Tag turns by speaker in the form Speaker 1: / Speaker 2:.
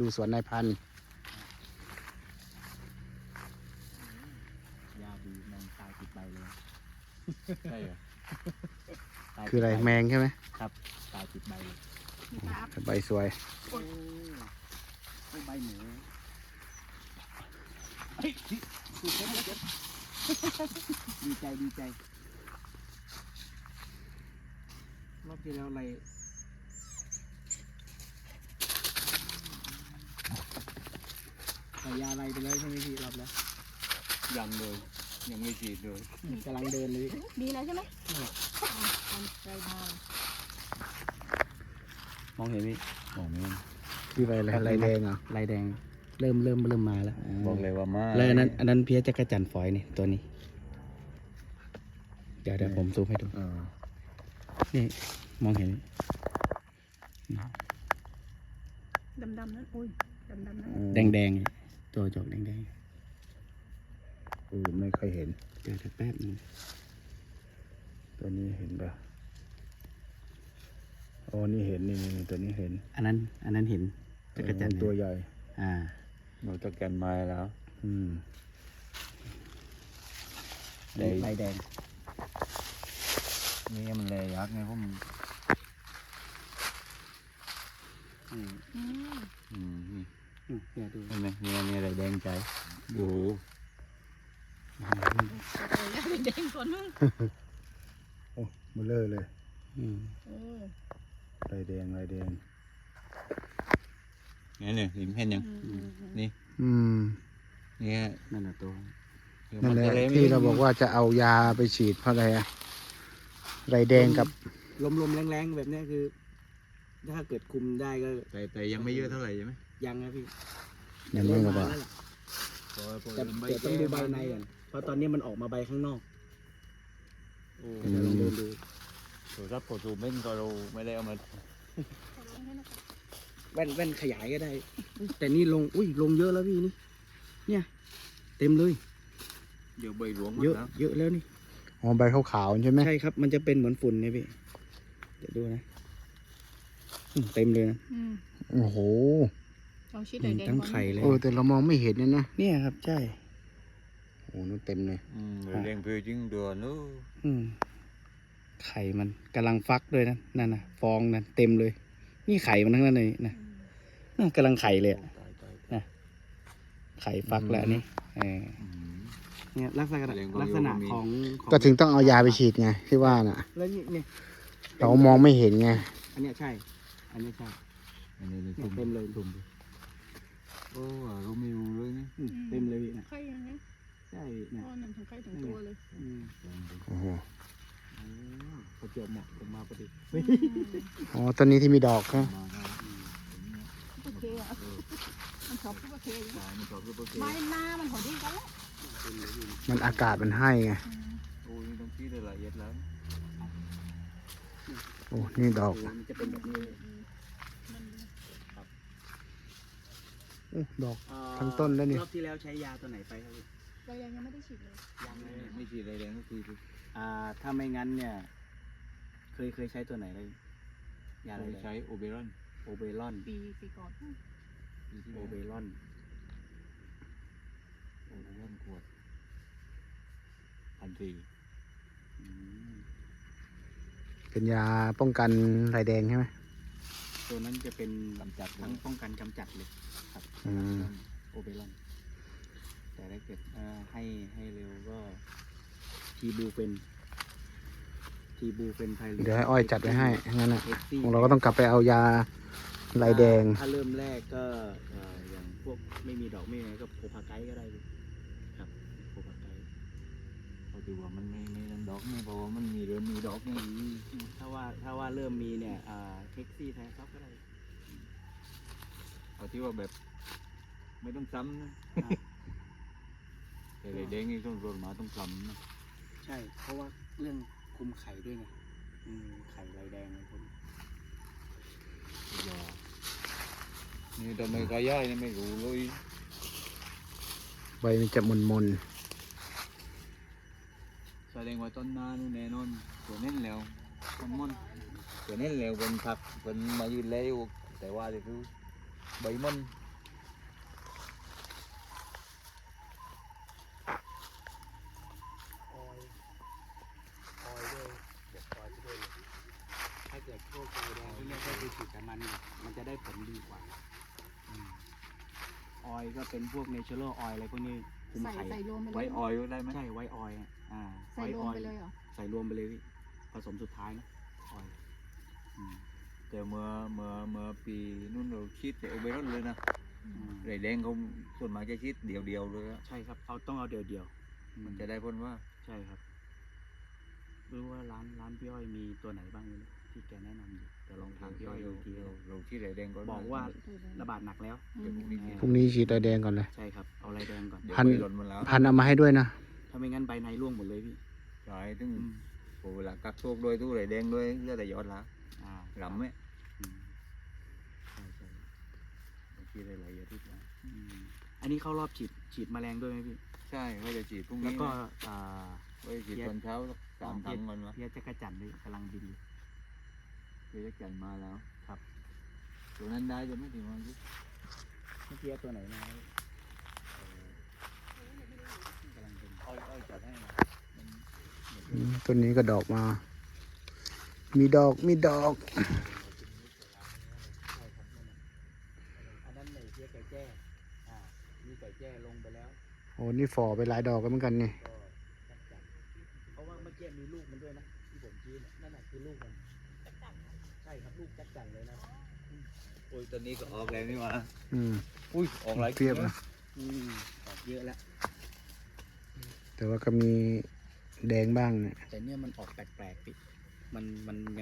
Speaker 1: สวนนายพันธุ์
Speaker 2: ยาดีแมงตายติดใบเลยใช่เหรอ
Speaker 1: คืออะไรแมงใช่ไหม
Speaker 2: ครับตายติดใบเลย
Speaker 1: ใบสวย
Speaker 2: โอ้ใบหมูเฮ้ยดีใจดีใจรอบที่แล้วอะไรใส่ยาอะไรไปเลยใช่ไหมพี่รอบแล้ว
Speaker 3: ยังเลยยังไม่ฉีดเลย
Speaker 2: กำลังเดินเลย
Speaker 4: ดีแล้วใช่ไหมมันใจบาง
Speaker 2: มองเห็นไหม
Speaker 3: บอกไม่
Speaker 1: ที่ใบอะไรลายแดงเหรอ
Speaker 2: ลายแดงเริ่มมาแล้ว
Speaker 3: บอกเลยว่ามา
Speaker 2: แล้วอันนั้นเพี้ยจักรจันทร์ฝอยนี่ตัวนี้ เดี๋ยวผมซูมให้ดู นี่มองเห็นไหม
Speaker 4: ดำๆนั้นอุ้ยดำๆนั้น
Speaker 2: แดงๆตัวจอกแดง
Speaker 1: ไม่ค่อยเห็น
Speaker 2: ๆเดี๋ยวแป๊บนึง
Speaker 1: ตัวนี้เห็นปะอ๋อนี่เห็นนี่ตัวนี้เห็น
Speaker 2: อันนั้นเห็นจักรจันทร์
Speaker 1: ตัวใหญ่
Speaker 3: หนูตะแกนไม้แล้ว
Speaker 2: ลายแดง
Speaker 3: นี่มันเลยยักษ์ไงพวกมึง
Speaker 4: อืม
Speaker 3: นี่
Speaker 2: เดี๋ยวดู
Speaker 3: เห็นไหมนี่อะไรแดงใจโอ้โห
Speaker 4: เด็กคนนึง
Speaker 1: โอ้มาเลอะเลย ลายแดง
Speaker 3: นี่เห็นยังนี่ นี่
Speaker 2: นั่นน่ะตัว
Speaker 1: นั่นแหละที่เราบอกว่าจะเอายาไปฉีดเพราะอะไรอะลายแดงกับ
Speaker 2: ลมแรงๆแบบนี้คือ ถ้าเกิดคุมได้ก็
Speaker 3: แต่ยังไม่เยอะเท่าไหร่ใช่ไหม
Speaker 2: ยังนะพี่
Speaker 1: ยังไม่ระบาด
Speaker 2: แล้วล่ะแต่เดี๋ยวต้องดูใบในก่อนเพราะตอนนี้มันออกมาใบข้างนอกเดี๋ยวลองเดินดู
Speaker 3: ตัวรับผลสูบเม่นก็เราไม่ได้เอามา
Speaker 2: แว่นขยายก็ได้ แต่นี่ลงลงเยอะแล้วพี่นี่เนี่ยเต็มเลย
Speaker 3: เดี๋ยวใบหลวง
Speaker 2: เยอะแล้วนี่
Speaker 1: อ๋อใบขาวๆใช่ไหม
Speaker 2: ใช่ครับมันจะเป็นเหมือนฝุ่นเนี่ยพี่เดี๋ยวดูนะเต็มเลยนะ
Speaker 1: โอ้โห
Speaker 4: เอาชิ้นไหนแดง
Speaker 2: ทั้งไข่เลย
Speaker 1: แต่เรามองไม่เห็นเนี่ยนะ
Speaker 2: เนี่ยครับใช่
Speaker 1: โอ้นั่นเต็มเลย
Speaker 3: แดงเพื่อจึงเดือนนู้
Speaker 2: ไข่มันกำลังฟักด้วยนะนั่นนะฟองนั่นเต็มเลย นี่ไข่มันทั้งนั้นเลยนะนั่นกำลังไข่เลยอะไข่ฟักแล้วนี่เนี่ยลักษณะของ
Speaker 1: ก็ถึงต้องเอายาไปฉีดไงที่ว่าน่ะ
Speaker 2: แล้วนี่
Speaker 1: เรามองไม่เห็นไง
Speaker 2: อันเนี้ยใช่ อันเนี้ยใช่
Speaker 3: อันนี้
Speaker 2: เนี่ย
Speaker 3: ตุ่ม
Speaker 2: เต็มเลย
Speaker 3: โอ้เราไม่รู้เลยนี่
Speaker 2: เต็มเลยพี่นะ
Speaker 4: ไข่ยังไง
Speaker 2: ใช่เนี่ย
Speaker 4: อ๋อนั่นทั้งไข่ทั้งตัวเลย
Speaker 1: โอ้โห
Speaker 2: ประจวบเหมาะผมมาพอดี
Speaker 1: อ๋อต้นนี้ที่มีดอกนะ
Speaker 4: โอเคอ่ะมันชอบโอเค
Speaker 3: มันชอบรูปโอเค
Speaker 4: ไม่หน้ามันพอดีกันแล้ว
Speaker 1: มันอากาศมันให้ไง
Speaker 3: โอ้ยต้องคิดได้ละเอียดแล้ว
Speaker 1: โอ้นี่ดอก
Speaker 2: มันจะเป็นแบบนี้
Speaker 1: โอ้ดอก ทั้งต้นแล้วนี่
Speaker 2: รอบที่แล้วใช้ยาตัวไหนไปครับพี่
Speaker 4: เรายังไม่ได้ฉีดเลย
Speaker 2: ยังเลย
Speaker 3: ไม่ฉีดอะไรแดงก็คือ
Speaker 2: ถ้าไม่งั้นเนี่ย เคยใช้ตัวไหนเลยยาอะไร
Speaker 3: ใช้โอเบรอน
Speaker 2: โอเบรอน
Speaker 4: ปีก่อน
Speaker 2: โอเบรอน
Speaker 3: โอเบรอนขวด1,400
Speaker 1: เป็นยาป้องกันลายแดงใช่ไหม
Speaker 2: ตัวนั้นจะเป็น
Speaker 3: กำจัด
Speaker 2: ทั้งป้องกันกำจัดเลยครับ โอเบรอน แต่ถ้าเกิดให้เร็วก็ทีบูเฟนไพลิ
Speaker 1: เดี๋ยวให้อ้อยจัดไว้ให้งั้นน่ะ
Speaker 2: เอ็กซี่
Speaker 1: ของเราก็ต้องกลับไปเอายาลายแดง
Speaker 2: ถ้าเริ่มแรกก็อย่างพวกไม่มีดอกไม่มีอะไรก็โพพาไกด์ก็ได้เลยครับโพพาไกด์
Speaker 3: เขาดูว่ามันไม่นั่นดอกนี่เพราะว่ามันมีเริ่มมีดอกนี่
Speaker 2: ถ้าว่าเริ่มมีเนี่ยเท็กซี่ไทยซับก็ได้
Speaker 3: เอาที่ว่าแบบไม่ต้องซ้ำนะแต่แดงนี่ต้องโดนมาต้องซ้ำนะ
Speaker 2: ใช่ เพราะว่าเรื่องคุมไข่ด้วยไงไข่ลายแดงอะไรพวกนี้
Speaker 3: อย่านี่ทำไมกายย่ายนี่ไม่รู้เลย
Speaker 1: ใบมันจะมน
Speaker 3: แสดงว่าต้นนานู่นแน่นอนตัวเน้นแล้วมันม่อนตัวเน้นแล้วเป็นผักเป็นมายืนแล้วแต่ว่าจะคือใบมัน
Speaker 2: พวกไข่แดงที่เนี่ยก็คือฉีดกับมันเนี่ยมันจะได้ผลดีกว่าออยก็เป็นพวกเนเชอรัลออยอะไรพวกนี้คุมไข่
Speaker 4: ใส่รวมไปเลย
Speaker 3: ไว้ออยได้ไหม
Speaker 2: ใช่ไว้ออยล์อ่า
Speaker 4: ใส่รวมไปเลยเหรอ
Speaker 2: ใส่รวมไปเลยพี่ผสมสุดท้ายนะออยล์
Speaker 3: แต่เมื่อปีนู้นเราชีดแต่โอเบรอนเลยนะ ไรแดงเขาส่วนมากจะชีดเดียวๆเลยอะ
Speaker 2: ใช่ครับเขาต้องเอาเดียวๆ
Speaker 3: มันจะได้พ้นว่า
Speaker 2: ใช่ครับรู้ว่าร้านพี่อ้อยมีตัวไหนบ้างเลยที่แกแนะนำอยู่เดี๋ยวลองถามพี่อ้อยดูอีกทีนะ
Speaker 3: เราชีดไรแดงก่อน
Speaker 2: บอกว่าระบาดหนักแล้ว
Speaker 3: เดี๋ยวพรุ่งนี้
Speaker 1: พรุ่งนี้ฉีดไรแดงก่อนเลย
Speaker 2: ใช่ครับเอาลายแดงก่อน
Speaker 3: เดี๋ยว
Speaker 1: พัน
Speaker 3: ไปหล่นมันแล้ว
Speaker 1: พันเอามาให้ด้วยนะ
Speaker 2: ถ้าไม่งั้นใบในร่วงหมดเลยพี่
Speaker 3: ใช่ถึงโอ้เวลากักโชคด้วยตู้ไรแดงด้วยเหลือแต่ยอดละ
Speaker 2: อ่า
Speaker 3: หลำไหม
Speaker 2: อืมใช่ใช่
Speaker 3: เราชีดได้หลายอาทิตย์แล้ว
Speaker 2: อันนี้เข้ารอบฉีดแมลงด้วยไหมพี่
Speaker 3: ใช่ว่าจะฉีดพรุ่ง
Speaker 2: แล้ว
Speaker 3: นี้
Speaker 2: ก็
Speaker 3: ว่าจะฉีดตอนเช้าสักสามถังมันวะ
Speaker 2: เพี้ยจักรจันทร์ด้วยกำลังบินอยู่
Speaker 3: เดี๋ยวจะจันมาแล้ว
Speaker 2: ครับ
Speaker 3: ตัวนั้นได้จะไม่ถึงวันที่
Speaker 2: เมื่อกี้ตัวไหนมากำลังบิน
Speaker 3: อ้อยจัดให้นะ
Speaker 1: ต้นนี้ก็ดอกมา มีดอกมีดอก
Speaker 2: อันนั้นในเพี้ยไก่แจ้มีไก่แจ้ลงไปแล้ว
Speaker 1: โอ้นี่ฝ่อไปหลายดอกกันเหมือนกันนี่
Speaker 2: ก็จักจันเพราะว่าเมื่อกี้มีลูกมันด้วยนะที่ผมชี้เนี่ยนั่นแหะคือลูกมันใช่ครับลูกจักจันเลยนะ
Speaker 3: โอ้ยตอนนี้ก็ออกแล้วนี่หว่า
Speaker 1: อืม
Speaker 3: อุ้ยออกหลาย
Speaker 1: เทียบนะ
Speaker 2: ออกเยอะแล้ว
Speaker 1: แต่ว่าก็มีแดงบ้างเนี่ย
Speaker 2: แต่เนี่ยมันออกแปลกๆพี่มัน